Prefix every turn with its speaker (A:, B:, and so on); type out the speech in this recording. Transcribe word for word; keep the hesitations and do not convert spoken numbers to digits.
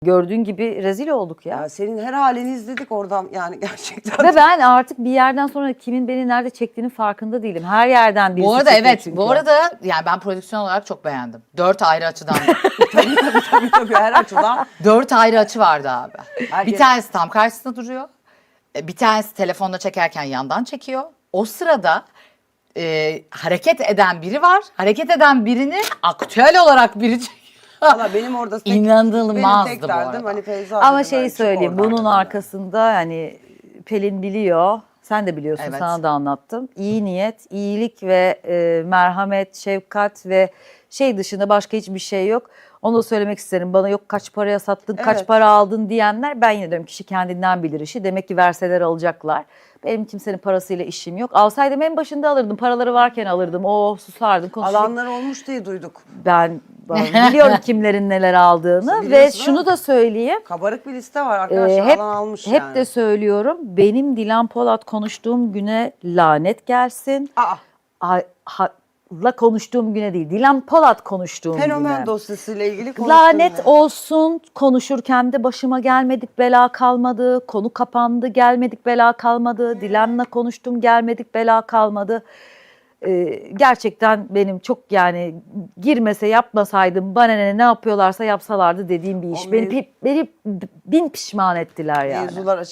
A: Gördüğün gibi rezil olduk ya.
B: Ya senin her halini izledik oradan yani gerçekten.
A: Ve ben artık bir yerden sonra kimin beni nerede çektiğinin farkında değilim. Her yerden birisi
C: Bu arada
A: çekiyor
C: evet,
A: çünkü.
C: bu arada yani ben prodüksiyon olarak çok beğendim. Dört ayrı açıdan.
B: tabii tabii tabii tabii her açıdan.
C: Dört ayrı açı vardı abi.
B: Herkes-
C: Bir tanesi tam karşısında duruyor. E, Bir tanesi telefonda çekerken yandan çekiyor. O sırada e, hareket eden biri var. Hareket eden birini aktüel olarak biri çekiyor.
B: Valla benim orada tek,
C: İnanılmazdı
B: benim tek
C: bu
B: derdim
C: arada.
B: hani Feyza
A: Ama
B: dedim, ben
A: şeyi
B: çık
A: söyleyeyim,
B: oradan
A: bunun
B: dedim.
A: arkasında hani Pelin biliyor, sen de biliyorsun,
C: Evet.
A: sana da anlattım. İyi niyet, iyilik ve e, merhamet, şefkat ve şey dışında başka hiçbir şey yok. Onu da söylemek isterim. Bana yok kaç paraya sattın, kaç
B: Evet.
A: para aldın diyenler, ben yine diyorum kişi kendinden bilir işi. Demek ki verseler alacaklar. Benim kimsenin parasıyla işim yok. Alsaydım en başında alırdım. Paraları varken alırdım. O susardım, konuşurdum.
B: Alanlar olmuş diye duyduk.
A: Ben, ben biliyorum kimlerin neler aldığını ve
B: Biliyorsun
A: şunu
B: ama-
A: da söyleyeyim.
B: Kabarık bir liste var arkadaşlar.
A: Ee, hep
B: alan almış
A: hep
B: yani.
A: de söylüyorum. Benim Dilan Polat konuştuğum güne lanet gelsin.
B: Aa,
A: Ha, ha- la konuştuğum güne değil. Dilan Polat konuştuğum
B: fenomen
A: güne.
B: dosyasıyla ilgili konuştuğum
A: Lanet
B: ya.
A: olsun, konuşurken de başıma gelmedik bela kalmadı. Konu kapandı, gelmedik bela kalmadı. Dilan'la konuştum, gelmedik bela kalmadı. Ee, gerçekten benim çok yani girmese yapmasaydım bana ne ne yapıyorlarsa yapsalardı dediğim bir iş.
B: O
A: Beni,
B: mev-
A: pi- beni bin pişman ettiler yani.
B: Mevzular